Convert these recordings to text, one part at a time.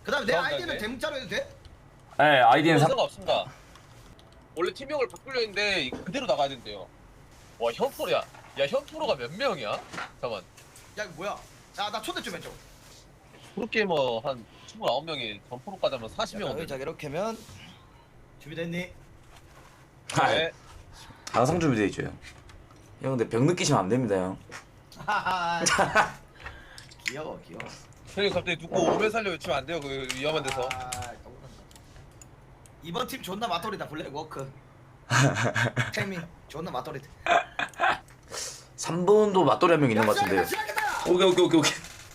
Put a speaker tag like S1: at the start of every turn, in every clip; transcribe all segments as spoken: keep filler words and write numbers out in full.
S1: 그다음에 내
S2: 저한테
S1: 아이디는
S2: 네.
S1: 대문자로 해도 돼?
S3: 네, 아이디는 상...
S2: 상관없습니다. 원래 팀명을 바꾸려 했는데 그대로 나가야 된대요. 와 현프로야. 야 현프로가 몇 명이야? 잠깐만.
S1: 야 이거 뭐야? 야 나 초대 좀 해줘.
S2: 프로게이머 한 이십구 명이 전프로까지 하면 사십 명
S1: 자,
S2: 온대.
S1: 자 이렇게 하면 준비됐니?
S3: 아,
S2: 네.
S3: 항상 준비돼 있죠. 형 근데 병 느끼시면 안 됩니다, 형.
S1: 하하. 귀여워 귀여워.
S2: 형님 갑자기 누구 오면 살려 외치면 안 돼요. 그 위험한 데서.
S1: 아, 너무한다. 이번 팀 존나 맞돌이다 블랙워크. 태민 존나 맞돌이다.
S3: 삼 번도 맞돌이 한 명 있는 것 같은데.
S1: 시작했다.
S3: 오케이, 오케이, 오케이, 오케이.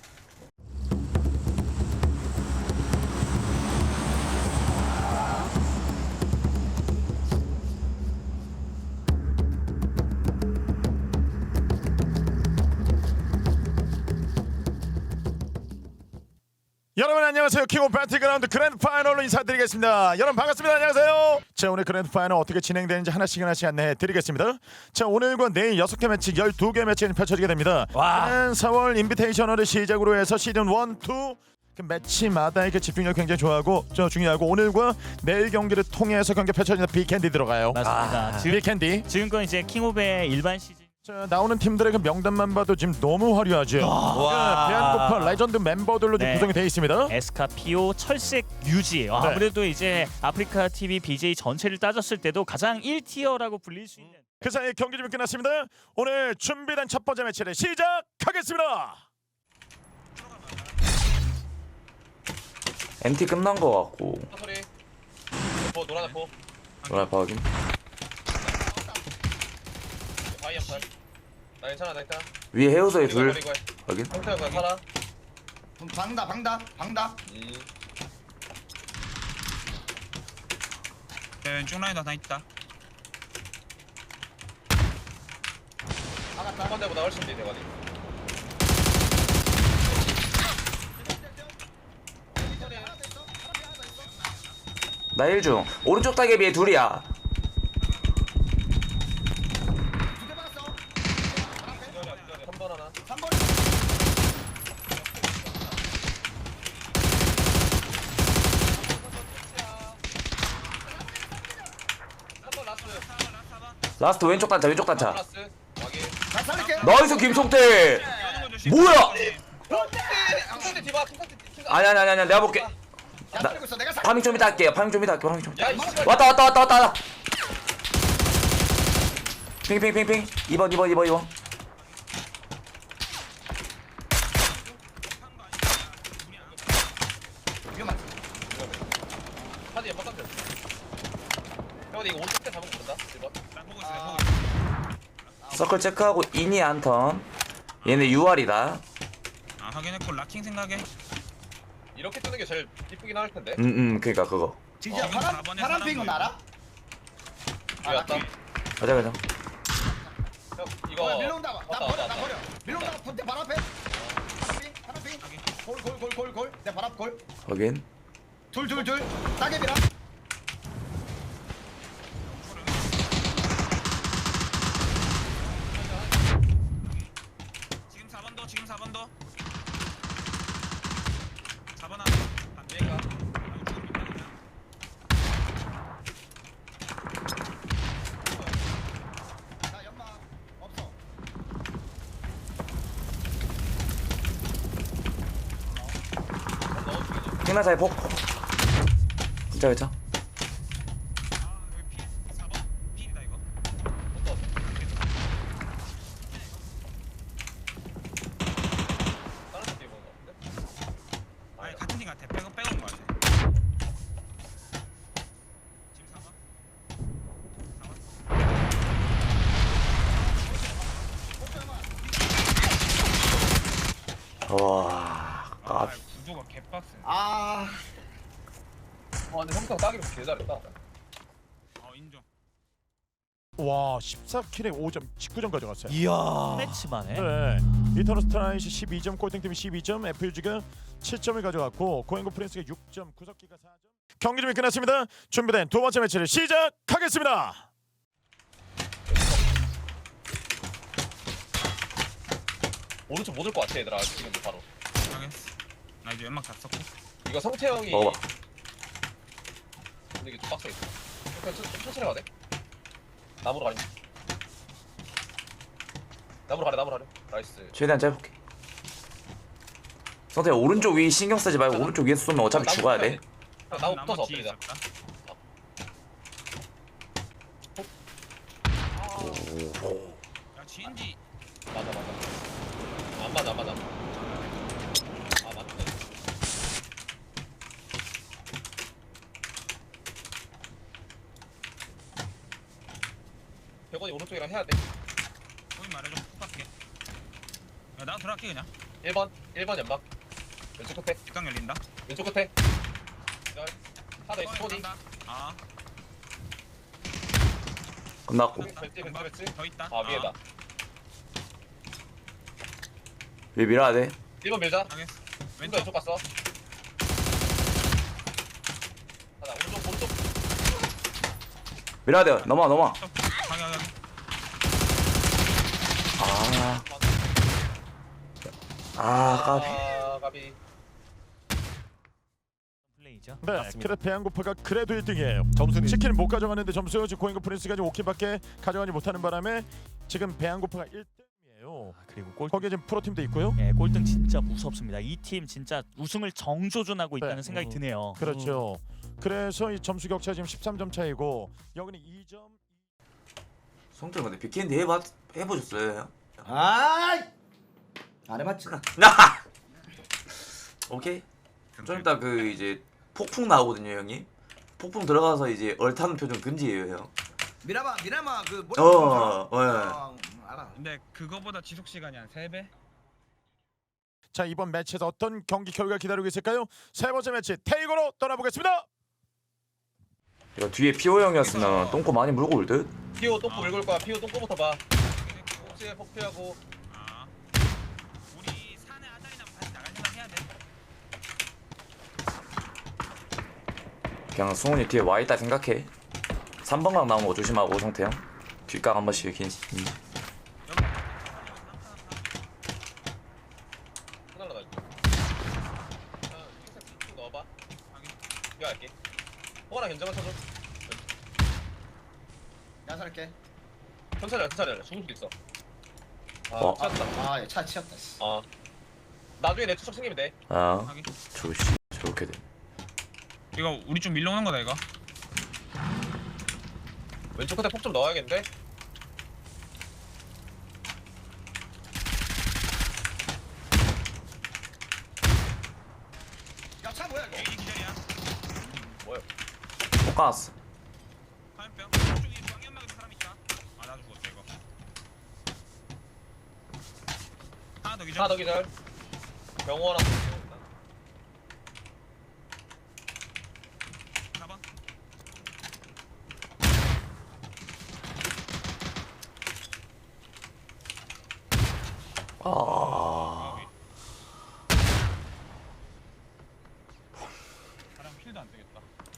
S4: 여러분 안녕하세요. 킹 오브 배틀그라운드 그랜드 파이널로 인사드리겠습니다. 여러분 반갑습니다. 안녕하세요. 자, 오늘 그랜드 파이널 어떻게 진행되는지 하나씩 하나씩 안내해 드리겠습니다. 자, 오늘과 내일 여섯 개 매치 열두 개 매치가 펼쳐지게 됩니다. 지난 사월 인비테이셔널을 시작으로 해서 시즌 일, 이 그 매치마다의 그 집중력 굉장히 좋아하고 저 중요하고 오늘과 내일 경기를 통해서 경기 펼쳐지는 빅캔디 들어가요.
S5: 맞습니다.
S4: 아,
S5: 지금
S4: 빅캔디.
S5: 지금껏 이제 킹오브의 일반 시즌
S4: 자, 나오는 팀들의 그 명단만 봐도 지금 너무 화려하죠. 와. 대한고파 레전드 멤버들로 지금
S5: 네.
S4: 구성이 되어 있습니다.
S5: 에스카, 피오, 철색, 유지. 아,
S4: 네.
S5: 아무래도 이제 아프리카 티비 비제이 전체를 따졌을 때도 가장 일 티어라고 불릴 수 있는.
S4: 그 사이 경기 좀 끝났습니다. 오늘 준비된 첫 번째 매치를 시작하겠습니다.
S3: 엠티 끝난 거 같고.
S2: 소리. 뭐 노란 포.
S3: 뭐라 확인.
S2: 바이 한 팔. 나 괜찮아 나 괜찮아.
S3: 위에 헤어서에 둘.
S2: 이거 해.
S3: 확인.
S2: 형태가 그냥 살아.
S1: 방다 방다 방다.
S2: 음.
S6: 네, 왼쪽 라인 하나 있다.
S1: 나갔다.
S2: 한 번째보다 훨씬 돼 대관이.
S3: 나 일 중. 오른쪽 따개비에 둘이야.
S1: 두개 박았어.
S2: 삼 번 하나.
S1: 삼 번.
S2: 삼 번 라스트.
S3: 라스트 왼쪽 단차, 왼쪽 단차.
S2: 라스트. 확인.
S1: 나 살릴게.
S3: 나이스 김성태. 뭐야?
S2: 킹카트 디바 킹카트 킹카트.
S3: 아니 아니 아니 아니 내가 볼게.
S1: 야
S3: 나-
S1: 살리고 있어. 내가 살.
S3: 파밍 좀 이따 할게요. 파밍 좀 이따 할게. 파밍 좀.
S2: 야 이씨.
S3: 왔다 왔다 왔다 왔다. 왔다. 핑핑핑핑. 이 번 이 번 이 번 이 번.
S1: 위험한.
S2: 카드 연막 깜짝. 형님 이거 오른쪽 때 잡으면 된다. 일 번.
S6: 나 보고 있어, 나 보고 있어.
S3: 서클 체크하고 인이 한 턴. 얘네 유알이다.
S6: 아, 확인했고 라킹 생각해.
S2: 이렇게 뜨는 게 제일 이쁘긴 할 텐데.
S3: 음음 그러니까 그거.
S1: 진짜
S6: 어,
S1: 파란
S6: 사 번에
S1: 파란
S6: 사람
S1: 핑은
S6: 보이고.
S1: 알아?
S2: 왜 왔다?
S3: 가자 가자.
S2: 형 이거.
S1: 어, 밀러온다. 나
S2: 왔다,
S1: 버려
S2: 왔다,
S1: 나
S2: 왔다.
S1: 버려. 밀러온다. 본대 발 앞에. 파란 핑 파란 핑. 골골골골 골. 내 발 앞 골.
S3: 확인.
S1: 둘 둘 둘. 따개비랑.
S6: 지금 사 번 더, 지금 사 번 더. 사 번 하나. 안 돼.
S2: 얘가.
S1: 나 연막 없어.
S3: 핑나사의 폭. 진짜 괜찮.
S6: 아, 여기 피. 사 번. 필이다 이거.
S2: 다른 데 입은 거 같은데?
S6: 아니, 같은 팀 같아. 빼고 빼고 온거 같아. 지금 사 번.
S3: 와.
S6: 아,
S3: 아,
S6: 구조가 개빡세.
S1: 아.
S2: 아 근데 형태가 따기로 개 잘했다.
S6: 어, 인정.
S4: 와, 십사 킬에 오 점, 십구 점 가져갔어요.
S5: 이야. 매치만에.
S4: 네. 이터널 스트라이시 십이 점, 꼴등팀이 십이 점, 에프유지가 칠 점을 가져갔고 고행고 프린스가 육 점, 구석기가 사 점. 경기 준비 끝났습니다. 준비된 두 번째 매치를 시작하겠습니다.
S2: 오른쪽 못 올 것 같아 얘들아 지금 바로.
S6: 확인했어. 나 이제 연막 다 썼고.
S2: 이거 성태 형이
S3: 먹어봐.
S2: 근데 이게 좀 빡세겠다. 그냥 천- 좀 천천히 가네. 나무로 가리. 나무로 가래 나무로 가래. 나이스.
S3: 최대한 짧게. 성태야 오른쪽 위 신경 쓰지 말고
S2: 나-
S3: 오른쪽 위에서 쏘면 어차피
S2: 나무
S3: 죽어야
S2: 붙어야
S3: 돼.
S2: 돼. 나무 붙어서
S6: 뒤에
S2: 엎드리자.
S6: 있었다. 야 지인지
S2: 맞아 맞아. 안 맞아 안 맞아. 아 맞네. 백원이 오른쪽이랑 해야 돼.
S6: 거기 말해줘. 푹 갈게. 야 나도 들어갈게 그냥.
S2: 일 번 일 번 연막. 왼쪽 끝에
S6: 뒷강 열린다.
S2: 왼쪽 끝에. 기다려. 하나 있어 소니.
S6: 간다. 아.
S3: 끝났고.
S2: 벤츠 벤츠 벤츠.
S6: 더 있다.
S2: 아 위에다.
S3: 위 밀어야 돼.
S2: 일 번 밀자.
S6: 알겠어.
S2: 왼쪽
S6: 왼쪽.
S2: 왼쪽 갔어. 하나 오른쪽 오른쪽.
S3: 밀어야 돼. 넘어 넘어.
S6: 방향 방향.
S3: 아. 아 까비.
S2: 아 가비.
S5: 플레이죠.
S4: 네, 그래 배양고파가 그래도 일 등이에요. 점수는 치킨을 못 가져가는데 점수가 지금 고잉고 프린스까지 오 킬밖에 가져가지 못하는 바람에 지금 배양고파가 일 등이에요.
S5: 아, 그리고 골
S4: 거기에 지금 프로팀도 있고요.
S5: 예, 꼴등 진짜 무섭습니다. 이 팀 진짜 우승을 정조준하고 있다는
S4: 네.
S5: 생각이
S4: 음.
S5: 드네요.
S4: 그렇죠. 그래서 이 점수 격차 지금 십삼 점 차이고 여기는 이 점.
S3: 성태 근데 비켄디 해봐 해보셨어요?
S1: 아이 안 해봤지.
S3: 나. 오케이. 좀 이따 그 이제 폭풍 나오거든요 형님. 폭풍 들어가서 이제 얼타는 표정 금지예요 형.
S1: 미라마 미라마 그 머리.
S3: 어, 어, 예.
S1: 어, 알아.
S6: 근데 그거보다 지속 시간이 한 세 배?
S4: 자 이번 매치에서 어떤 경기 결과 기다리고 있을까요? 세 번째 매치 테이거로 떠나보겠습니다.
S3: 이거 뒤에 피오 형이었으면 똥꼬 많이 물고 올 듯.
S2: 피오 똥꼬 물고 올 거야. 피오 똥꼬부터 봐. 혹시에 폭피하고.
S6: 아. 우리 산에 아다리 나면 다시 나갈 생각 해야 돼.
S3: 그냥 승훈이 뒤에 와 있다 생각해. 삼 번각 나오는 거 조심하고 성태 형. 뒷각 한 번씩 긴. 음.
S2: 하나로 날. 아, 흰색 쭉 넣어봐. 이거 할게. 호가랑 견제만 쳐줘.
S1: 야살게.
S2: 천천히 해, 천천히 해. 죽을 수도 있어. 아,
S3: 어.
S2: 찾았다.
S1: 아차 치였다. 씨.
S2: 아. 나중에 내 투척 생기면 돼.
S3: 아,
S6: 하긴.
S3: 조시 저렇게 돼.
S6: 이거 우리 좀 밀러오는 거다 이거.
S2: 왼쪽 끝에 폭 좀 넣어야겠는데?
S1: 야차 뭐야 이거?
S6: A 기절이야.
S2: 뭐야?
S3: 못 가놨어.
S6: 화염병. 저쪽에 방연막에도 사람 있다. 아 나도 죽었다 이거. 하나 더 기절.
S2: 하나 더 기절. 병원랑
S6: 사 번.
S3: 아.
S6: 사람 킬도 안 되겠다.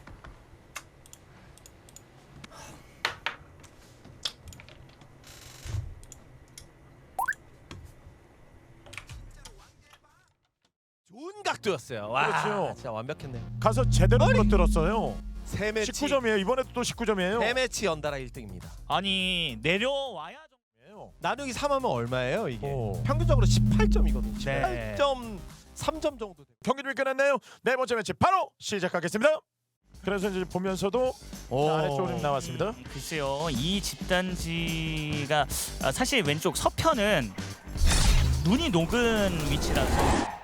S7: 좋은 각도였어요. 와,
S4: 그렇죠.
S7: 진짜 완벽했네요.
S4: 가서 제대로 물어들었어요.
S7: 세 매치,
S4: 십구 점이에요. 이번에도 또 십구 점이에요.
S7: 세 매치 연달아 일 등입니다.
S5: 아니 내려와야 좀.
S7: 나누기 삼 하면 얼마예요 이게?
S4: 오.
S7: 평균적으로 십팔 점이거든요.
S5: 네.
S7: 십팔 점 삼 점 정도 돼요.
S4: 경기 준비 끝났네요. 네 번째 매치 바로 시작하겠습니다. 그래서 이제 보면서도 아래쪽으로 좀 나왔습니다.
S5: 음, 글쎄요, 이 집단지가 아, 사실 왼쪽 서편은 눈이 녹은 위치라서.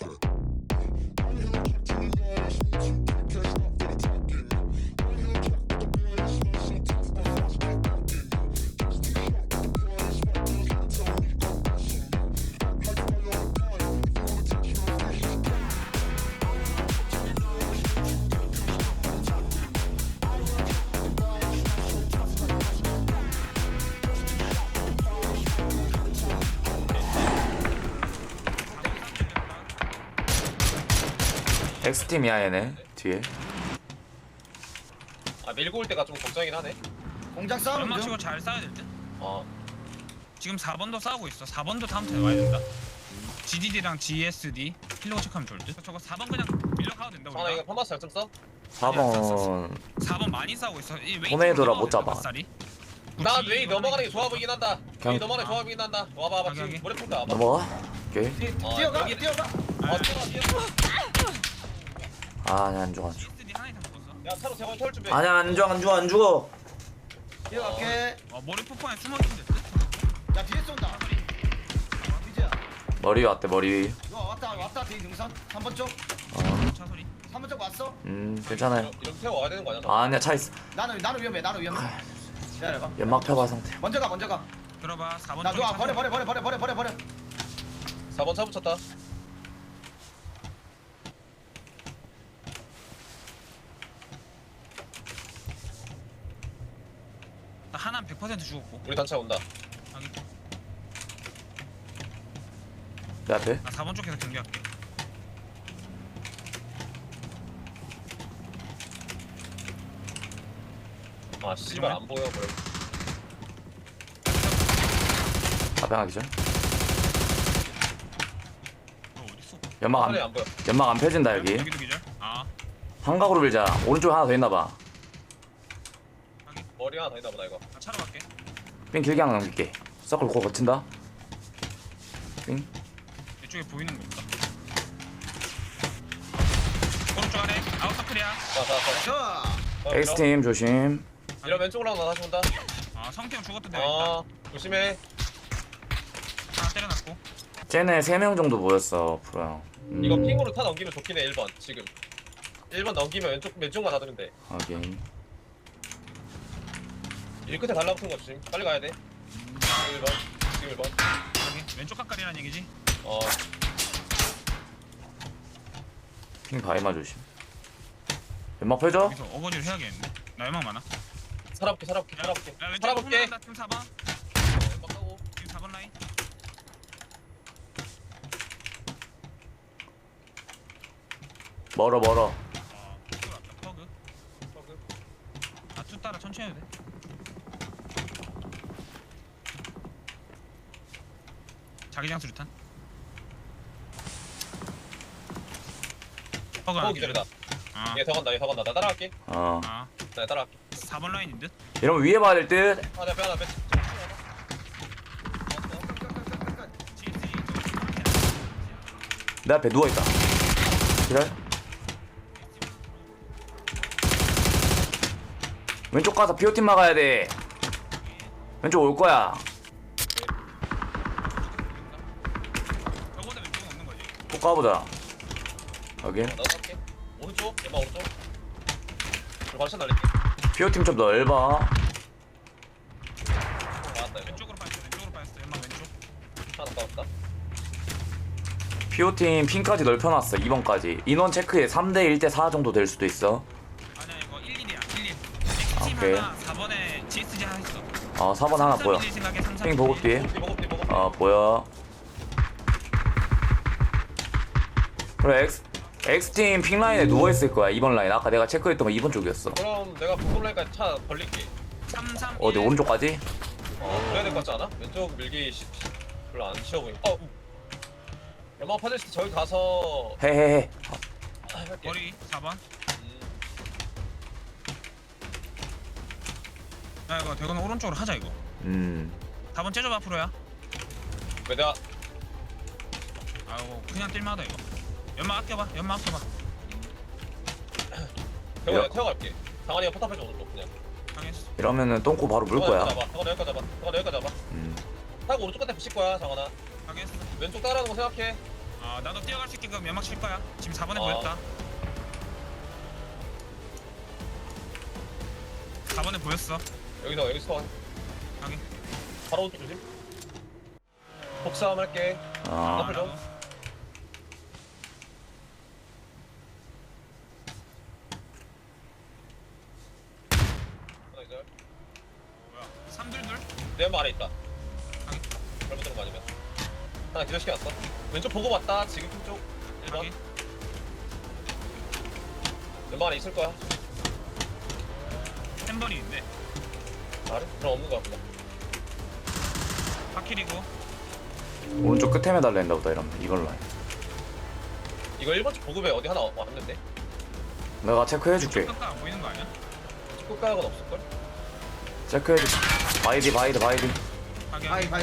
S3: X팀이야 얘네 뒤에.
S2: 아 밀고 올 때가 좀 걱정이긴 하네.
S1: 공장 싸움
S6: 연막
S1: 중.
S6: 치고 잘 싸야 될 듯.
S2: 어.
S6: 지금 사 번도 싸우고 있어. 사 번도 다음 턴에 와야 된다. 지디디랑 지에스디 킬로그 체크하면 좋을 듯. 저거 사 번 그냥 밀려 가도 된다
S2: 장하나 이거
S6: 우리가.
S2: 파마스 잘좀 써?
S3: 사 번
S6: 사 번 많이 싸우고 있어. 이 웨이
S3: 토네이도라
S6: 쪽으로
S3: 못 잡아.
S6: 들어가면 뱃살이.
S2: 나 웨이 넘어가는 게 좋아 보이긴 한다.
S3: 그냥-
S2: 웨이 넘어가는 게 좋아 보이긴 한다. 와봐 와봐
S6: 여기,
S2: 지금
S6: 여기.
S2: 머리 풀다 와봐.
S3: 넘어가. 오케이.
S1: 뛰-
S2: 어,
S1: 뛰어가
S2: 여기-
S1: 뛰어가.
S2: 어 뛰어가 뛰어가.
S3: 아, 아니 안 죽어 안 죽어.
S6: 지에스디 하나 이상 먹었어.
S2: 야 차로 제거 털 준비.
S3: 아니야 안 죽어 안 죽어 안 죽어.
S1: 뛰어갈게.
S6: 와 머리 폭포에 숨어 있는데.
S1: 야 뒤에 쏜다. 비지야.
S3: 머리 왔대 머리.
S1: 이거 왔다 왔다 뒤에 능선. 삼 번 쪽.
S3: 어,
S6: 차 소리.
S1: 삼 번 쪽 왔어.
S3: 음 괜찮아요.
S2: 이렇게 이렇게 태워 와야 되는 거 아니야?
S3: 아니야 차 있어.
S1: 나는 나는 위험해. 나는 위험해. 기다려봐.
S3: 연막 펴봐 상태.
S1: 먼저 가 먼저 가.
S6: 들어봐. 사 번
S1: 나
S6: 쪽에
S1: 누가
S6: 차
S1: 버려
S6: 소리.
S1: 버려 버려 버려 버려 버려 버려.
S2: 사 번 차 붙였다.
S6: 나 하나는 백 퍼센트 죽었고.
S2: 우리 단차 온다.
S6: 확인.
S3: 내 앞에.
S6: 나 사 번 쪽에서 경계할게.
S2: 아 씨발 안 보여 보여.
S3: 앞에 하나 기절.
S6: 너 어디 있어?
S3: 연막
S2: 차례
S3: 안
S2: 안 보여.
S3: 연막 안 펴진다 여기.
S6: 여기도 기절. 아.
S3: 삼각으로 밀자. 오른쪽에 하나 더 있나 봐.
S2: 머리 하나 더 있나 보다 이거.
S6: 나 차로 갈게.
S3: 삥 길게 하나 넘길게. 서클 고 거친다. 삥.
S6: 이쪽에 보이는 거 없다. 오른쪽 아래 아웃서클이야.
S2: 자자자.
S1: 저.
S3: X 팀 조심.
S2: 이런 왼쪽으로 나 다시 온다.
S6: 아 성태형 죽었던 데가
S2: 어 조심해.
S6: 있다. 하나 때려놨고.
S3: 쟤네 세 명 정도 모였어 프로 형. 음,
S2: 이거 핑으로 타 넘기면 좋긴 해 일 번 지금. 일 번 넘기면 왼쪽 왼쪽만 닫으면 돼.
S3: 확인.
S2: 일 끝에 달라붙은 거 조심. 빨리 가야 돼. 지금 일 번. 지금 일 번.
S6: 여기 왼쪽 가까리란 얘기지.
S2: 어
S3: 핑 바위마 조심. 연막 펴줘.
S6: 여기서 어거지를 해야겠는데. 나 연막 많아.
S2: 살아볼게 살아볼게
S6: 야,
S2: 살아볼게.
S6: 야 왼쪽
S2: 살아볼게.
S6: 홈런다. 팀 사 번.
S2: 어, 막 하고.
S6: 팀 사 번 라인.
S3: 멀어 멀어.
S6: 어 퍼그 왔다. 퍼그.
S2: 저그.
S6: 아투 따라 천천히 해도 돼. 자기장 수류탄. 퍼그 하나
S2: 어 기다리다.
S6: 아.
S2: 얘 더 간다 얘 더 간다. 나 따라갈게.
S3: 어.
S6: 아.
S2: 나 따라갈게.
S6: 사 번 라인인 듯.
S3: 이러면 위에 봐야 될 듯.
S2: 아 내가 빼나 빼.
S6: 지에스디
S3: 내 앞에 누워 있다. 기다려. 왼쪽 가서 피오팀 막아야 돼. 왼쪽 올 거야.
S6: 저거보다 왼쪽은 없는 거지.
S3: 꼭 가보자. 여기.
S2: 나도 갈게. 오른쪽. 얘마 오른쪽. 그리고 반샷 날릴게.
S3: 피오팀 좀 넓어.
S2: 나왔다 이거.
S6: 왼쪽으로 빠졌어. 왼쪽으로 빠졌어. 연막 왼쪽.
S2: 하나 나왔다.
S3: 피오팀 핀까지 넓혀놨어. 이 번까지. 인원 체크에 삼 대 일 대 사 정도 될 수도 있어.
S6: 아니야 이거 일 일이야. 일 일.
S3: 아,
S6: X팀
S3: 오케이.
S6: 하나 사 번에 지에스디 하나 있어.
S3: 어, 사 번 하나 보여. 핑 보급 뒤에.
S2: 뒤 먹어 뒤 먹어.
S3: 어, 보여. 그래, X, X팀 핑 라인에 누워있을 거야. 이 번 라인. 아까 내가 체크했던 거 이 번 쪽이었어.
S2: 그럼 내가 보급라인까지 차 벌릴게.
S6: 삼 삼
S3: 어디, 오른쪽까지?
S2: 어 그래야 될 것 같지 않아? 왼쪽 밀기 시, 시, 별로 안 쉬워 보이네. 어. 연막 파질 때 저기 가서
S3: 해해해.
S2: 아, 할게.
S6: 머리 사 번.
S2: 음,
S6: 야 이거 대건은 오른쪽으로 하자 이거.
S3: 음.
S6: 사 번 째줘봐 프로야.
S2: 왜 내가
S6: 아이고 그냥 뛸마다 이거. 연막 아껴봐. 연막 아껴봐.
S2: 태워
S3: 야.
S2: 내가 태워갈게. 상환이가 포탑해줘 오른쪽 그냥.
S6: 당했어.
S3: 이러면은 똥꼬 바로 물 거야.
S2: 잡아. 상환이 여기까지 잡아. 상환이 여기까지 잡아.
S3: 음.
S2: 타고 오른쪽 끝에 붙일 거야 상환아.
S6: 당했어.
S2: 왼쪽 따라하는 거 생각해.
S6: 아 나도 뛰어갈 수 있게끔 연막 칠 거야. 지금 사 번에
S2: 어.
S6: 보였다. 사 번에 보였어.
S2: 여기서 여기서 와.
S6: 확인.
S2: 바로 오른쪽 조심. 복싸움 할게.
S3: 어.
S2: 앞을 좀. 하나 이제
S6: 뭐야? 삼둘둘.
S2: 내 왼발 아래 있다. 잘못 들은 거 아니면. 하나 기절시켜놨어. 왼쪽 보고 왔다. 지금 쪽 일 번.
S6: 확인.
S2: 왼발 안에 있을 거야.
S6: 템버리인데.
S2: 알아? 그럼 없는 거야 보다.
S6: 파킬이고.
S3: 오른쪽 끝에 매달려 있나 보다, 이러면. 이걸 라인.
S2: 이거 일 번 쪽 보급에 어디 하나 왔는데?
S3: 내가 체크해줄게.
S6: 끝가 안 보이는 거 아니야?
S2: 끝가락은 없을걸?
S3: 체크해줄게. 바이디 바이디 바이디.
S6: 가게
S1: 바이
S6: 하게.
S1: 바이.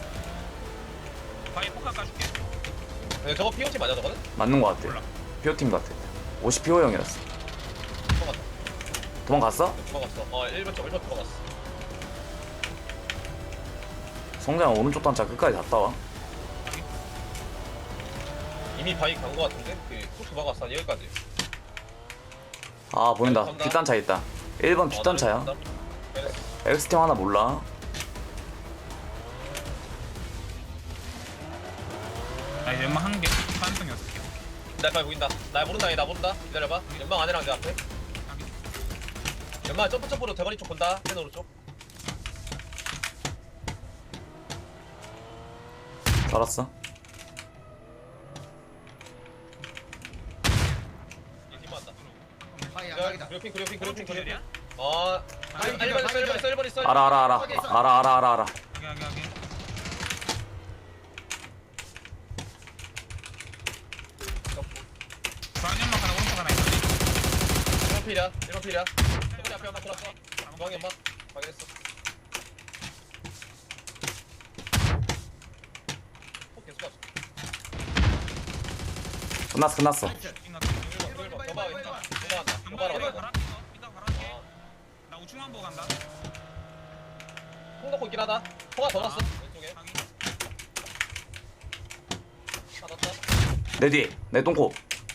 S6: 바위 폭 깎아줄게.
S2: 근데 저거 피오티 맞아 저거는?
S3: 맞는 거 같아.
S6: 몰라.
S3: 피오팀 같아. 오십 피오형이었어.
S2: 도망갔다.
S3: 도망갔어?
S2: 도망갔어. 어 일 번 쪽 일 번 도망갔어.
S3: 성장 오른쪽 단차 끝까지 갔다 와.
S2: 이미 바위 간 거 같은데? 그 도망갔어 한 여기까지.
S3: 아 보인다.
S2: 간다.
S3: 뒷단차 있다. 일 번 뒷단차야.
S2: 어, 네.
S3: 엑스팀 하나 몰라.
S6: 나 이제 연막 한 개. 가능성 여섯 개.
S2: 나 빨리 보인다. 나 모른다 얘 나 모른다. 기다려봐. 연막 안에랑 내 앞에. 연막 점프 점프로 대거리 쪽 본다. 맨 오른쪽.
S3: 알았어.
S2: 얘 뒷만다.
S1: 바이
S2: 야,
S1: 안방이다.
S2: 그래핑 그래핑 그래핑
S6: 오른쪽
S2: 그래핑.
S6: 기절이야?
S2: 어.
S1: 바위
S2: 일
S1: 기절,
S2: 번
S1: 바위
S2: 일 번
S1: 기절.
S2: 일 번 있어.
S3: 알아 알아 알아. 알아 알아 알아 알아.
S6: 하게 하게 하게. 중앙 연막 하나 오른쪽 하나 있어.
S2: 일 번 필이야. 일 번 필이야. 대거리 앞에 연막 돌았어. 중앙 연막 확인했어. 어, 계속 왔어.
S3: 끝났어 끝났어.
S2: 일 번 일 번 더 봐. 왼쪽. 도망간다.
S6: 연막
S2: 도망가라.
S6: 이거
S2: 이거.
S6: 갈아. 이따 갈아줄게.
S2: 어.
S6: 나 우측만 보고 간다.
S2: 콩 넣고 있긴 하다. 통화 더 났어. 왼쪽에.
S6: 확인.
S2: 다 넣었다.
S3: 내 뒤에 내 똥코.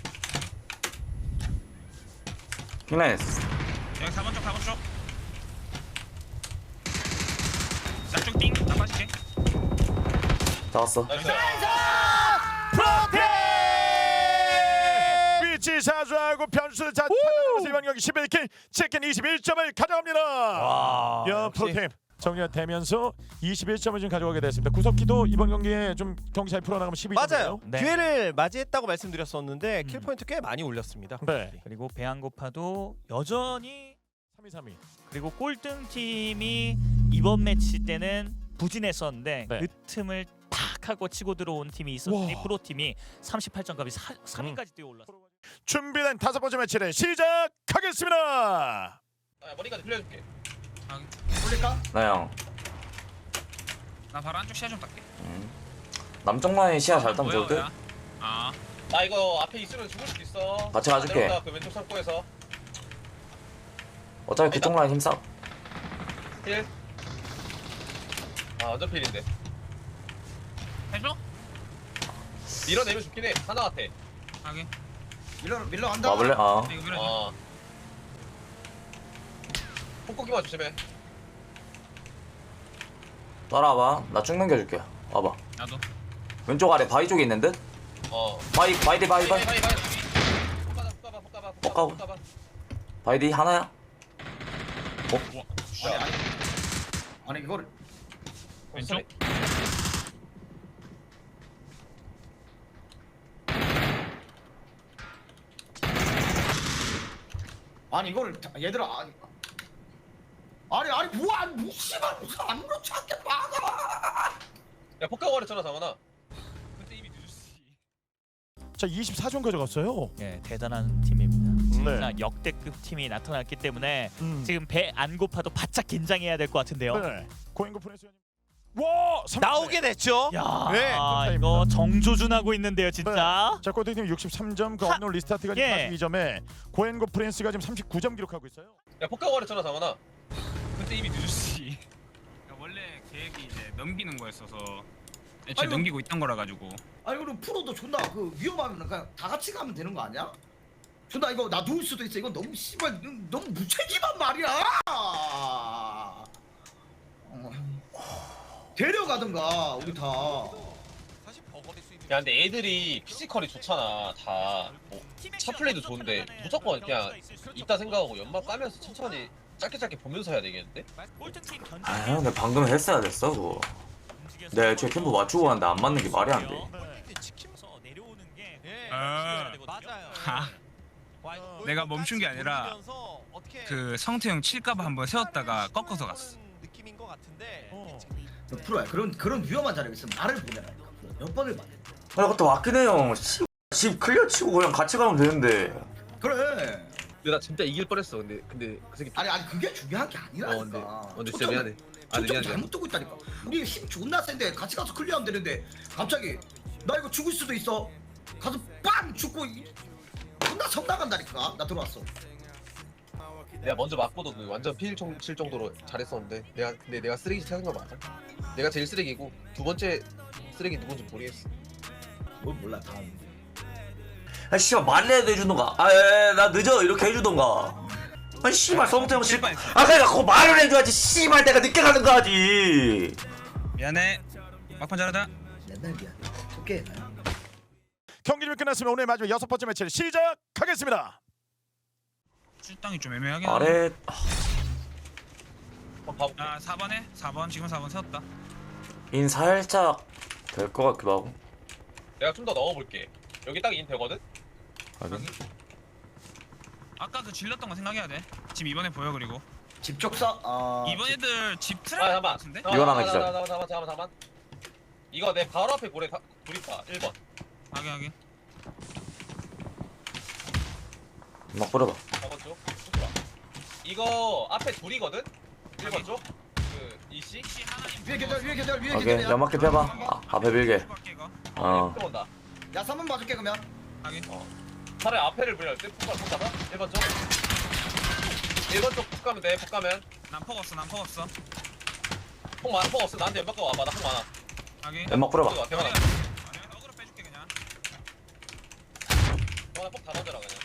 S3: 킹라인했어.
S6: 여기 사 번 쪽 사 번 쪽. 나쪽 띵. 나 빠질게.
S3: 잡았어.
S2: 나이스.
S4: 프로테 위치 사수하고 변수 자 찾아내면서 이번 경기 십일 킬 치킨 이십일 점을 가져갑니다.
S7: 와.
S4: 야
S7: 역시.
S4: 프로팀 정리되면서 이십일 점을 지금 가져가게 됐습니다. 구석기도 이번 경기에 좀 경기 잘 풀어나가면 십이 점.
S7: 맞아요.
S5: 네.
S7: 기회를 맞이했다고 말씀드렸었는데
S4: 음.
S7: 킬 포인트 꽤 많이 올렸습니다.
S4: 네.
S5: 그리고 배한고파도 여전히
S4: 삼 위 삼 위.
S5: 그리고 꼴등 팀이 이번 매치 때는 부진했었는데
S4: 네.
S5: 그 틈을 탁 하고 치고 들어온 팀이 있었으니
S4: 와.
S5: 프로팀이 삼십팔 점까지 삼 위까지 뛰어올랐어요.
S4: 준비된 다섯 번째 매치를 시작하겠습니다.
S2: 아, 머리까지 빌려줄게.
S1: 올릴까?
S3: 나영.
S6: 나 바로 안쪽 시야 좀 닦게.
S3: 남쪽 라인 시야 잘 따면
S6: 뭐야,
S3: 좋을 듯.
S6: 뭐야? 아.
S2: 나 이거 앞에 있으면 죽을 수도 있어.
S3: 같이 가줄게.
S2: 안 내려온다, 그 왼쪽 창고에서.
S3: 어차피 뒤쪽 라인 힘싸.
S2: 힐. 아 완전 필인데.
S6: 해줘?
S2: 밀어내면 좋긴 해. 하나 같아.
S6: 하게.
S1: 밀러 밀러 간다.
S3: 와볼래? 아.
S6: 이거 밀어줘.
S2: 어. 폭고기만 조심해.
S3: 따라와봐. 나 쭉 넘겨줄게. 와봐.
S6: 나도.
S3: 왼쪽 아래 바위 쪽에 있는 듯.
S2: 어.
S3: 바위 바이디 바위 바위.
S2: 바이 바이. 폭가봐 폭가봐 폭가봐
S3: 폭가고.
S2: 폭가봐.
S3: 바이디 하나야.
S1: 아니 아니. 아니 이거를
S6: 왼쪽?
S1: 아니 이거를 다- 얘들아 아니 아니 아니 뭐야 무시만 무슨 아무렇지 않게 막아.
S2: 야 폭가고 그랬잖아 장원아.
S6: 근데 이미 늦었지.
S4: 자 이십사 점 가져갔어요.
S5: 예, 대단한 팀입니다.
S4: 네.
S5: 진짜 역대급 팀이 나타났기 때문에
S4: 음.
S5: 지금 배 안 고파도 바짝 긴장해야 될 것 같은데요.
S4: 네. 고인구 프레스. 와 삼 점.
S7: 나오게 됐죠.
S5: 야,
S7: 네,
S5: 이거 정조준하고 있는데요, 진짜.
S4: 자 꼴등팀 육십삼 점, 그 업노 리스타트가 지금
S5: 예.
S4: 사십이 점에 고엔고 프린스가 지금 삼십구 점 기록하고 있어요.
S2: 야 폭가고 그랬잖아 장원아.
S6: 근데 이미 늦었지. 그러니까 원래 계획이 이제 넘기는 거였어서 애초에
S1: 아이고.
S6: 넘기고 있던 거라 가지고.
S1: 아니 그럼 프로도 존나 그 위험하면 그냥 다 같이 가면 되는 거 아니야? 존나 이거 나 누울 수도 있어. 이건 너무 씨발 너무 무책임한 말이야. 어. 데려가든가 우리 다.
S7: 사실 버거릴 수 있는.
S2: 야 근데 애들이 피지컬이 좋잖아 다. 뭐, 차 플레이도 좋은데 무조건 그냥 있다 생각하고 연막 까면서 천천히 짧게 짧게 보면서 해야 되겠는데?
S5: 꼴등팀
S3: 아 근데 방금 했어야 됐어 그거. 내 애초에 캠프 맞추고 왔는데 안 맞는 게 말이 안 돼.
S5: 치면서 내려오는 게
S7: 예.
S6: 아.
S7: 맞아요.
S6: 하. 내가 멈춘 게 아니라 그 성태형 칠까봐 한번 세웠다가 꺾어서 갔어.
S7: 느낌인 것 같은데.
S4: 어.
S1: 너 프로야 그런 그런 위험한 자리에 있으면 나를 보내라니까. 몇 번을 말해.
S3: 아, 그것도 맞긴 해요. 씨. 집 클리어 치고 그냥 같이 가면 되는데.
S1: 그래.
S2: 근데 나 진짜 이길 뻔했어. 근데 근데 그 새끼.
S1: 아니 아니 그게 중요한 게 아니라니까.
S2: 어, 근데 어, 근데 진짜
S1: 초점-
S2: 미안해. 아, 근데
S1: 초점
S2: 미안해.
S1: 잘못 두고 있다니까. 우리 힘 존나 센데 같이 가서 클리어하면 되는데 갑자기 나 이거 죽을 수도 있어. 가서 빵 죽고 이- 존나 성 나간다니까. 나 들어왔어.
S2: 내가 먼저 맞고도 그 완전 피일 칠 정도로 잘했었는데 내가 근데 내가 쓰레기 찾은 거 맞아. 내가 제일 쓰레기고 두 번째 쓰레기 누군지 모르겠어.
S1: 뭘 몰라 다음.
S3: 아 씨발 말이라도 해주던가. 아나 늦어 이렇게 해주던가. 아 씨발 성태형 씨. 아 그러니까 그거 말을 해줘야지. 씨발 내가 늦게 가는 거 하지.
S6: 미안해. 막판 잘하자.
S1: 맨날 미안해. 오케이.
S4: 경기 좀 끝났으면 오늘 마지막 여섯 번째 매치를 시작하겠습니다.
S6: 출당이 좀 애매하긴
S3: 아래
S2: 한번 봐볼게.
S6: 아 사 번에 사 번 지금 사 번 세웠다.
S3: 인 살짝 될 것 같기도 하고.
S2: 내가 좀 더 넣어볼게. 여기 딱 인 되거든.
S3: 하긴.
S6: 아까 그 질렀던 거 생각해야 돼. 지금 이번에 보여 그리고
S1: 집적사. 아.
S6: 이번 애들 집
S2: 아
S6: 트랩
S2: 잠깐만.
S6: 같은데?
S3: 이건 하나 기절.
S2: 잠깐만 잠깐만 잠깐만 잠깐만. 이거 내 바로 앞에 고래 다- 둘 있다. 일 번.
S6: 하게 하게.
S3: 막 뿌려봐.
S2: 사 번 쪽. 좋아. 이거 앞에 둘이거든. 일 번 쪽. 그 이씨.
S6: 혹시 하나님
S1: 위에 계절 위에 계절 위에
S3: 오케이
S1: 계절이야.
S3: 연막대 펴봐. 아, 앞에 빌게. 어.
S2: 들어온다.
S1: 야 삼 번 봐줄게 그러면.
S6: 하게.
S2: 차라리 앞에를 보려 때 폭발 폭가봐. 일 번 쪽. 일 번 쪽폭 가면 돼. 폭 가면.
S6: 난폭 없어 난폭 없어.
S2: 폭 많아. 폭 없어. 나한테 연막 와봐. 나폭 많아.
S6: 하게.
S3: 연막 뿌려봐.
S2: 이거 대만아.
S6: 내가 너그로 빼줄게 그냥.
S2: 대만아 폭다 던져라 그냥.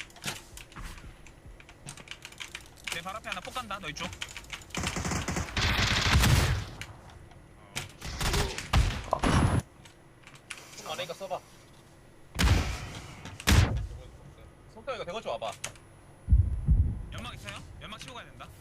S6: 내 발 앞에 하나 폭 간다. 너 이쪽.
S2: 폭 많으니까 써봐. 손가락이가 대걸 좀 와봐.
S6: 연막 있어요? 연막 치고 가야 된다.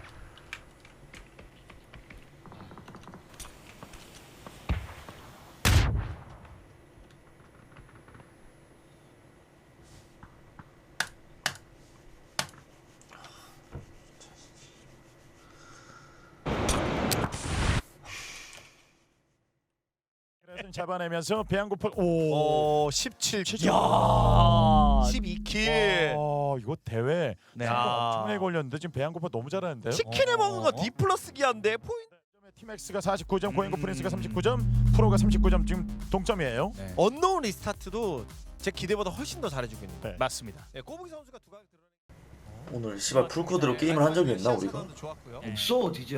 S4: 그래서 잡아내면서 배양고파 오
S7: 어, 십칠 최초.
S5: 야.
S7: 십이 킬.
S4: 와 이거 대회
S5: 네.
S4: 상금 엄청나게 걸렸는데 지금 배양고파 너무 잘하는데요.
S7: 치킨에 먹은 거
S5: 어.
S7: D 플러스 기한데 포인트.
S4: 팀엑스가 사십구 점, 고행고
S6: 음.
S4: 프린스가 삼십구 점, 프로가 삼십구 점 지금 동점이에요.
S5: 네.
S7: 언노운 리스타트도 제 기대보다 훨씬 더 잘해주고 있는데.
S4: 네.
S5: 맞습니다.
S7: 네, 꼬부기 선수가 두 가지 드러내.
S3: 오늘 씨발 풀코드로 게임을 한 적이 있나 우리가?
S7: 좋았고요.
S5: 네.
S1: 없어 디지야.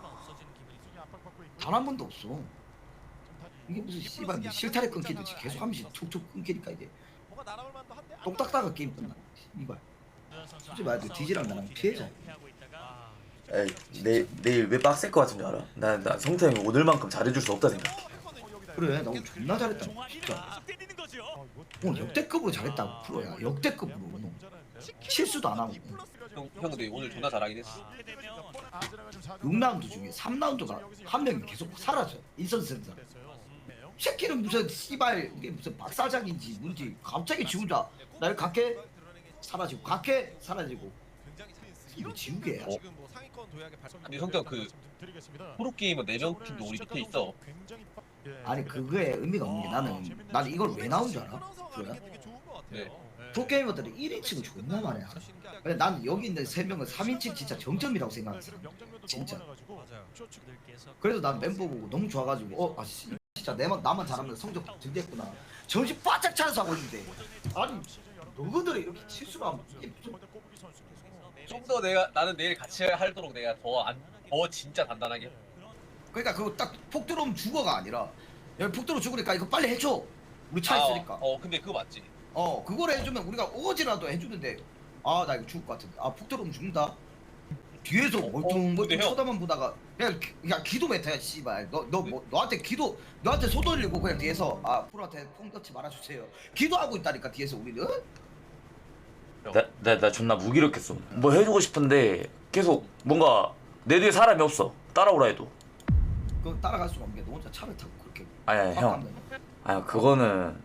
S1: 단 한 번도 없어. 이게 무슨 씨발 뭐 실타래 끊기듯이 계속 하면서 촉촉 끊기니까 이제
S7: 뭐가 날아올 만도 한데.
S1: 똥 닦다가 게임 끝나. 이발. 솔직히 말해도 디지랑 나랑 피해자.
S3: 에이 내 내일 왜 빡셀 것 같은 줄 알아? 나 나 성태형이 오늘만큼 잘해줄 수 없다 생각해.
S1: 그래 나 오늘 존나 잘했다 진짜. 오늘 역대급으로 잘했다고 프로야. 역대급으로 오늘. 실수도 안 하고.
S2: 형, 형 근데 오늘 존나 잘하긴 했어.
S1: 육 라운드 중에 삼 라운드가 한 명이 계속 사라져. 인선센터. 새끼는 무슨 씨발 이게 무슨 박사장인지 뭔지 갑자기 지 혼자 날 갈게 사라지고 갈게 사라지고 이거 지우개야.
S2: 어?
S7: 지금 뭐 상위권 도약에 발.
S2: 근데 성태형 그 프로게이머 네 명 팀도 우리 밑에 있어.
S1: 아니 그거에 의미가 없는 게 나는 나는 이걸 왜 나온 줄 알아? 그래?
S2: 네.
S1: 프로게이머들이 일 인칭을 존나 많이 하잖아. 근데 난 여기 있는 세 명은 삼 인칭 진짜 정점이라고 생각했어. 진짜.
S7: 맞아요.
S1: 그래서 난 멤버 보고 너무 좋아가지고 어 아씨 진짜 내만 나만 잘하면 성적 들겠구나. 정신 바짝 차려서 하고 있는데 아니 너희들이 이렇게 실수를 하면 이게 무슨
S2: 좀 더 내가 나는 내일 같이 하도록 내가 더 안 더 진짜 단단하게.
S1: 그러니까 그거 딱 폭 들어오면 죽어가 아니라 여기 폭 들어 죽으니까 이거 빨리 해줘. 우리 차 있으니까.
S2: 아, 어 근데 그거 맞지.
S1: 어 그걸 해주면 우리가 오지라도 해주는데 아 나 이거 죽을 것 같은데 아 폭 들어오면 죽는다 뒤에서
S2: 어,
S1: 멀뚱멀뚱
S2: 근데 형.
S1: 쳐다만 보다가 그냥 기- 그냥 기도 메타야 씨발 너 너 뭐 너한테 기도 너한테 손 돌리고 그냥 뒤에서 아 프로한테 콩 넣지 말아주세요 기도하고 있다니까 뒤에서 우리는
S3: 나나 나 존나 무기력했어. 뭐 해주고 싶은데 계속 뭔가 내 뒤에 사람이 없어. 따라오라 해도.
S1: 그거 따라갈 수가 없는 게 너 혼자 차를 타고 그렇게
S3: 아니 아니
S1: 빡
S3: 형.
S1: 가면.
S3: 아니 그거는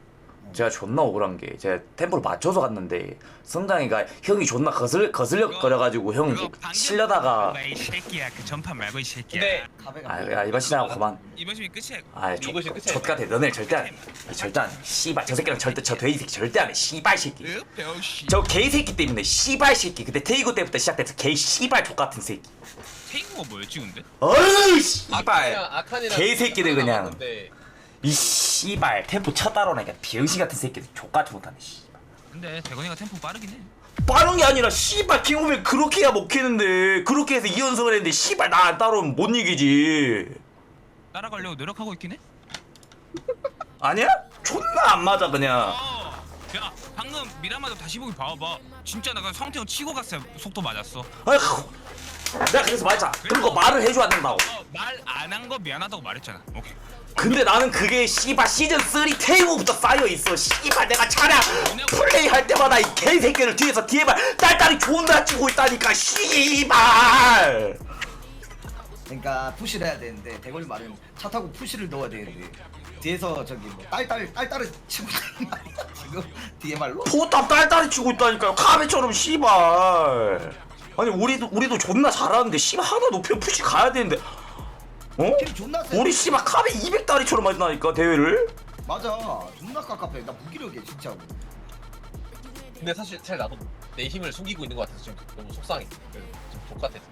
S3: 제가 존나 억울한 게 제가 템포를 맞춰서 갔는데 성장이가 형이 존나 거슬 거슬려거려가지고 형
S6: 그거 방금
S3: 실려다가
S6: 이 새끼야 그 전판 말고 이 새끼야.
S2: 근데
S1: 카베가
S3: 아, 야, 이번 시즌하고 그만.
S6: 이번 시즌 끝이야.
S3: 아,
S2: 이것이 끝이야.
S3: 젖같아. 너네 절대 안 해. 절대 안 해. 씨발 저 새끼랑 절대 저 돼지 새끼 절대 안 해. 씨발 새끼.
S6: 으, 배우씨.
S3: 저 개새끼 때문에 씨발 새끼. 그때 테이고 때부터 시작돼서 개 씨발 족같은 새끼.
S6: 태인구가 뭐였지 근데?
S3: 어이 씨발.
S2: 아칸이랑 아칸이랑
S3: 개새끼들 그냥.
S2: 남았는데
S3: 이 씨발 템포 차 따라오니까 병신 같은 새끼들 족같이 못하네. 씨발.
S6: 근데 대건이가 템포 빠르긴 해.
S3: 빠른 게 아니라 씨발 킹오면 그렇게 해야 먹히는데 그렇게 해서 이 연승을 했는데 씨발 나 안 따라오면 못 이기지.
S6: 따라가려고 노력하고 있긴 해.
S3: 아니야? 존나 안 맞아 그냥.
S6: 어. 야 방금 미라마도 다시 보기 봐봐. 진짜 내가 성태형 치고 갔어요. 속도 맞았어.
S3: 아이고. 내가 그래서 말했잖아. 그런 거 말을 해줘야 된다고.
S6: 어, 말 안 한 거 미안하다고 말했잖아. 오케이.
S3: 근데 나는 그게 씨발 시즌 삼 테이블부터 쌓여있어. 씨발 내가 차량 플레이 할 때마다 이 개새끼를 뒤에서 뒤에만 딸딸이 존나 치고 있다니까 씨발.
S1: 그러니까 푸시를 해야 되는데 대걸이 말은 차 타고 푸시를 넣어야 되는데 뒤에서 저기 뭐 딸딸 딸딸을 치고 있는 말이야 지금 뒤에 말로.
S3: 포탑 딸딸이 치고 있다니까요. 카베처럼 씨발. 아니 우리도 우리도 존나 잘하는데 씨발 하나 높이면 푸시 가야 되는데 어?
S1: 팀 존나 세.
S3: 우리 씨발 카베 이백 다리처럼 맞나니까 대회를.
S1: 맞아 존나 깝깝해. 나 무기력해 진짜로.
S2: 근데 사실 사실 나도 내 힘을 숨기고 있는 것 같아서 지금 너무 속상해. 그래서 좀 족같아서.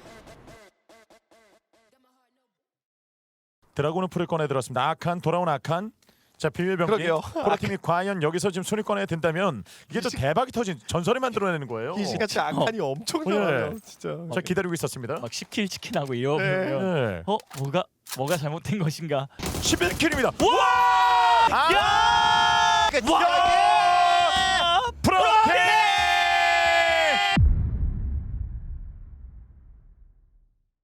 S4: 드라군은 풀을 꺼내 들었습니다. 아칸 돌아온 아칸. 자 비밀병기
S7: 그러게요.
S4: 코라팀이 과연 여기서 지금 손을 꺼내 든다면 이게 또 대박이 터진 전설을 만들어내는 거예요.
S7: 이 시간치 악한이 엄청
S4: 네.
S7: 나와요 진짜.
S4: 자 기다리고 있었습니다.
S5: 막 십 킬 치킨하고 이러면
S4: 네.
S5: 어 뭐가 뭐가 잘못된 것인가?
S4: 십일 킬입니다. 와! 아!
S7: 와!